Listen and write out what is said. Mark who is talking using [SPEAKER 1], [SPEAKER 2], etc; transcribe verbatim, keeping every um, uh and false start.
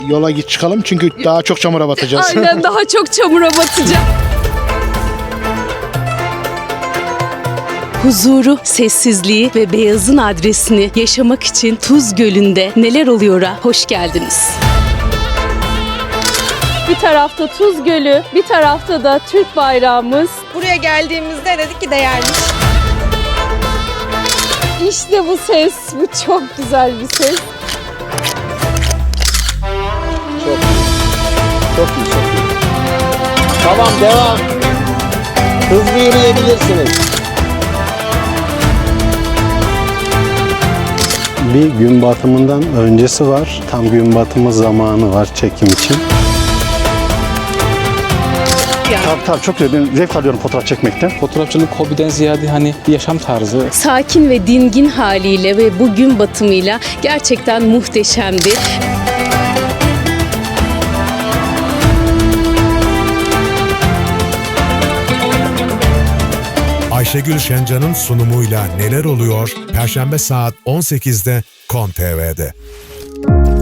[SPEAKER 1] Yola git çıkalım çünkü daha çok çamura batacağız.
[SPEAKER 2] Aynen, daha çok çamura batacağım. Huzuru, sessizliği ve beyazın adresini yaşamak için Tuz Gölü'nde neler oluyor'a hoş geldiniz. Bir tarafta Tuz Gölü, bir tarafta da Türk bayrağımız.
[SPEAKER 3] Buraya geldiğimizde dedik ki değermiş.
[SPEAKER 2] İşte bu ses, bu çok güzel bir ses.
[SPEAKER 4] Çok iyi. Çok iyi, çok iyi. Tamam, devam. Hızlı yürüyebilirsiniz.
[SPEAKER 5] Bir gün batımından öncesi var. Tam gün batımı zamanı var çekim için.
[SPEAKER 6] Tabii tabii çok güzel. Ben zevk alıyorum fotoğraf çekmekten.
[SPEAKER 7] Fotoğrafçılık hobiden ziyade hani bir yaşam tarzı.
[SPEAKER 2] Sakin ve dingin haliyle ve bu gün batımıyla gerçekten muhteşemdi.
[SPEAKER 8] Ayşegül Şencan'ın sunumuyla Neler Oluyor? Perşembe saat on sekizde Kon T V'de.